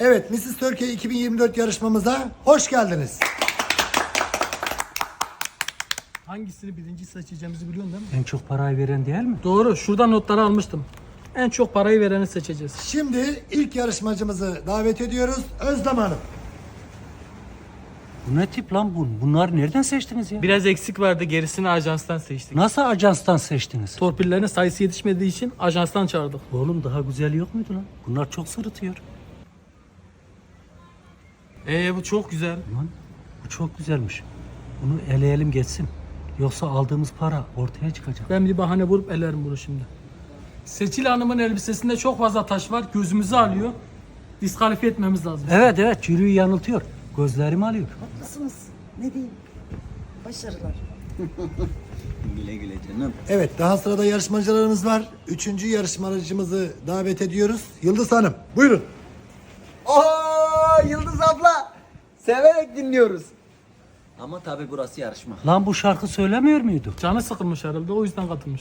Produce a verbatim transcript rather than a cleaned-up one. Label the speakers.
Speaker 1: Evet, missis Türkiye iki bin yirmi dört yarışmamıza hoş geldiniz.
Speaker 2: Hangisini birinci seçeceğimizi biliyorsun değil mi?
Speaker 3: En çok parayı veren değil mi?
Speaker 2: Doğru. Şurada notları almıştım. En çok parayı vereni seçeceğiz.
Speaker 1: Şimdi ilk yarışmacımızı davet ediyoruz. Özlem Hanım.
Speaker 3: Bu ne tip lan bu? Bunları nereden seçtiniz ya?
Speaker 2: Biraz eksik vardı. Gerisini ajanstan seçtik.
Speaker 3: Nasıl ajanstan seçtiniz?
Speaker 2: Torpillerin sayısı yetişmediği için ajanstan çağırdık.
Speaker 3: Oğlum daha güzel yok muydu lan? Bunlar çok sırıtıyor.
Speaker 2: Ee bu çok güzel.
Speaker 3: Lan bu çok güzelmiş. Bunu eleyelim geçsin. Yoksa aldığımız para ortaya çıkacak.
Speaker 2: Ben bir bahane bulup elerim bunu şimdi. Seçil Hanım'ın elbisesinde çok fazla taş var. Gözümüzü alıyor. Diskalifiye etmemiz lazım.
Speaker 3: Evet evet jüriyi yanıltıyor. Gözlerimi alıyor.
Speaker 4: Haklısınız. Ne diyeyim? Başarılar.
Speaker 5: Güle güle canım.
Speaker 1: Evet, daha sırada yarışmacılarımız var. Üçüncü yarışmacımızı davet ediyoruz. Yıldız Hanım, buyurun.
Speaker 5: Oo Yıldız abla. Severek dinliyoruz. Ama tabii burası yarışma.
Speaker 3: Lan bu şarkı söylemiyor muydu?
Speaker 2: Canı sıkılmış herhalde. O yüzden katılmış.